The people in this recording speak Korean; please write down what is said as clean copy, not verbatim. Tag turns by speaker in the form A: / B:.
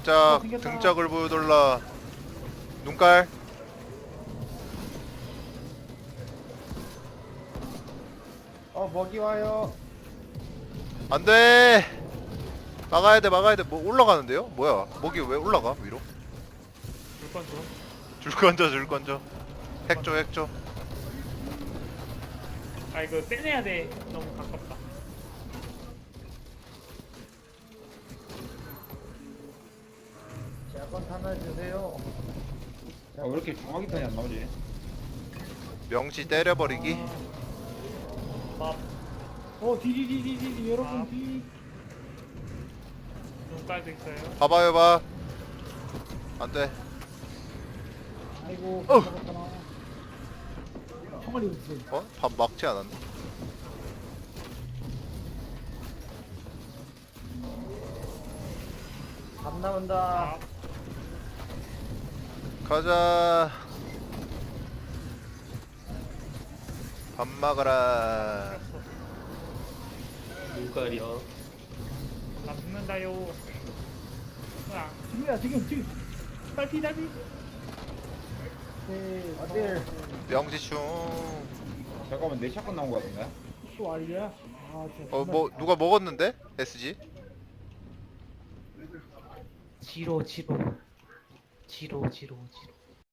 A: 등짝을 보여달라. 눈깔.
B: 먹이 와요.
A: 안돼. 막아야돼. 뭐 올라가는데요? 뭐야, 먹이 왜 올라가 위로?
C: 물건 줘.
A: 줄 건져. 핵조.
C: 아 이거 떼내야 돼. 너무 가깝다.
B: 약간 하나 주세요.
D: 왜 이렇게 정확히 편이 안 나오지?
A: 명시 때려버리기.
C: 밥.
B: 디디디디디 여러분 디.
C: 눈깔도 있어요.
A: 봐봐요. 안돼.
B: 아이고.
A: 어.
B: 총알이 없어.
A: 어? 밥 막지 않았네.
B: 밥 나온다.
C: 밥.
A: 가자. 밥 먹어라.
E: 눈깔이요.
C: 나 죽는다요. 으아.
B: 지금.
C: 딸피.
B: 네. 어딜?
A: 명지충.
D: 잠깐만 내 샷건 나온 거 같은데?
B: 또 알이야? 진짜.
A: 뭐 누가 먹었는데? SG?
E: 지로.